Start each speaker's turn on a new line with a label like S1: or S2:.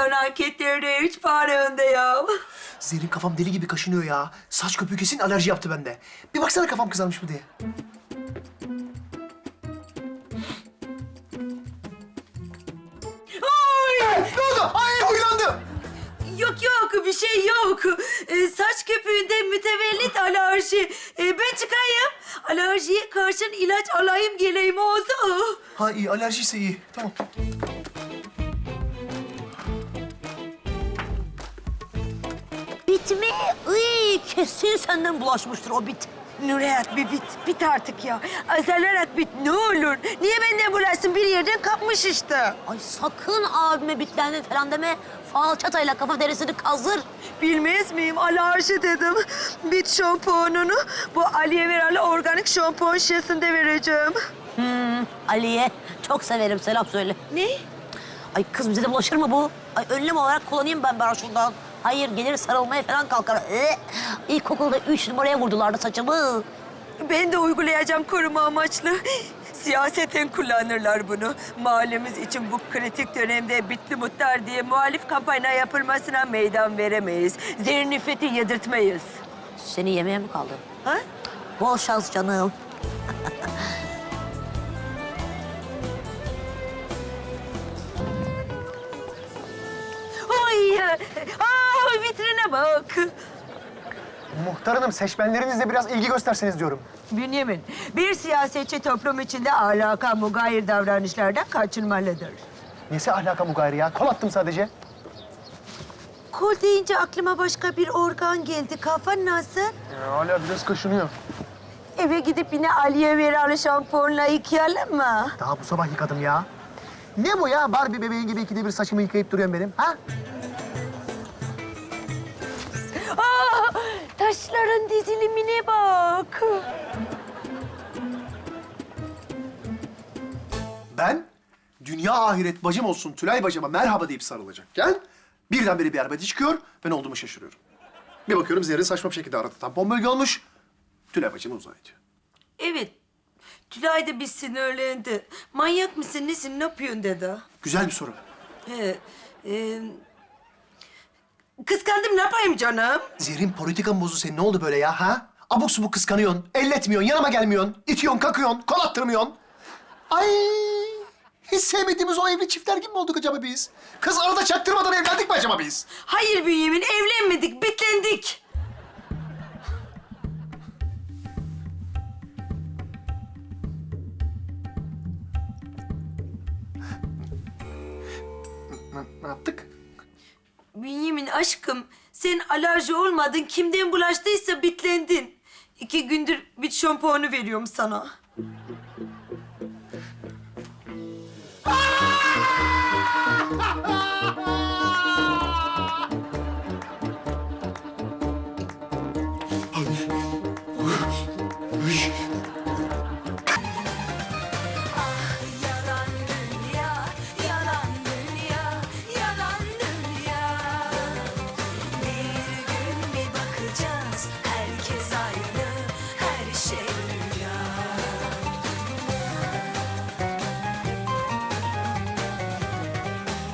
S1: Son anketlerde 3 puan önde ya.
S2: Zerrin kafam deli gibi kaşınıyor ya. Saç köpüğü kesin alerji yaptı bende. Bir baksana kafam kızarmış mı diye.
S1: Ay!
S2: Ne oldu? Ay huylandı.
S1: Yok yok, bir şey yok. Saç köpüğünde mütevellit alerji. Ben çıkayım. Alerjiye karşı ilaç alayım geleyim oldu.
S2: Ha iyi, alerjiyse iyi. Tamam.
S3: Bit mi? Iy, kesin senden bulaşmıştır o bit.
S1: Nurhayat bir bit artık ya. Azalarak bit ne olur. Niye benden bulaşsın, bir yerden kapmış işte.
S3: Ay sakın abime bitlendin falan deme. Falçatayla kafa derisini kazır.
S1: Bilmez miyim, alerji dedim. Bit şampuanını bu Aliye Veralı organik şampuan şişesinde vereceğim.
S3: Ali'ye çok severim, selam söyle.
S1: Ne?
S3: Ay kız bize de bulaşır mı bu? Ay önlem olarak kullanayım ben şundan. Hayır gelir sarılmaya falan kalkar. İlkokulda 3 numaraya vurdulardı saçımı.
S1: Ben de uygulayacağım koruma amaçlı. Siyaseten kullanırlar bunu. Mahallemiz için bu kritik dönemde bitli muhtar diye muhalif kampanya yapılmasına meydan veremeyiz. Zerrin nifreti yedirtmeyiz.
S3: Seni yemeğe mi kaldı?
S1: Ha?
S3: Bol şans canım.
S1: Ay, vitrine bak.
S2: Muhtar hanım, seçmenlerinizle biraz ilgi gösterseniz diyorum.
S1: Bünyamin, bir siyasetçi toplum içinde ahlaka mugayir davranışlardan kaçınmalıdır.
S2: Nesi ahlaka mugayir ya? Kol attım sadece.
S1: Kol deyince aklıma başka bir organ geldi. Kafan nasıl?
S2: Hala biraz kaşınıyor.
S1: Eve gidip yine Aliye Veralı şampuanla yıkayalım mı?
S2: Daha bu sabah yıkadım ya. Ne bu ya? Barbie bebeğin gibi ikide bir saçımı yıkayıp duruyorsun benim, ha?
S1: Taşların dizilimine bak.
S2: Ben dünya ahiret bacım olsun Tülay bacıma merhaba deyip sarılacakken birdenbire bir arbede çıkıyor, ben olduğumu şaşırıyorum. Bir bakıyorum Zerrin saçma bir şekilde arada tampon bölge olmuş. Tülay bacıma uzay ediyor.
S1: Evet. Tülay da bir sinirlendi. Manyak mısın, nesin, ne yapıyorsun dedi.
S2: Güzel bir soru.
S1: He, kıskandım, ne yapayım canım?
S2: Zerrin politikan bozu senin, ne oldu böyle ya, ha? Abuk subuk kıskanıyorsun, elletmiyorsun, yanıma gelmiyorsun, itiyorsun, kakıyorsun, kol attırmıyorsun. Ay! Hiç sevmediğimiz o evli çiftler gibi mi olduk acaba biz? Kız arada çaktırmadan evlendik mi acaba biz?
S1: Hayır Bünyamin, evlenmedik, bitlendik.
S2: Ne yaptık?
S1: Bünyamin aşkım, sen alerji olmadın, kimden bulaştıysa bitlendin. 2 gündür bit şampuanı veriyorum sana.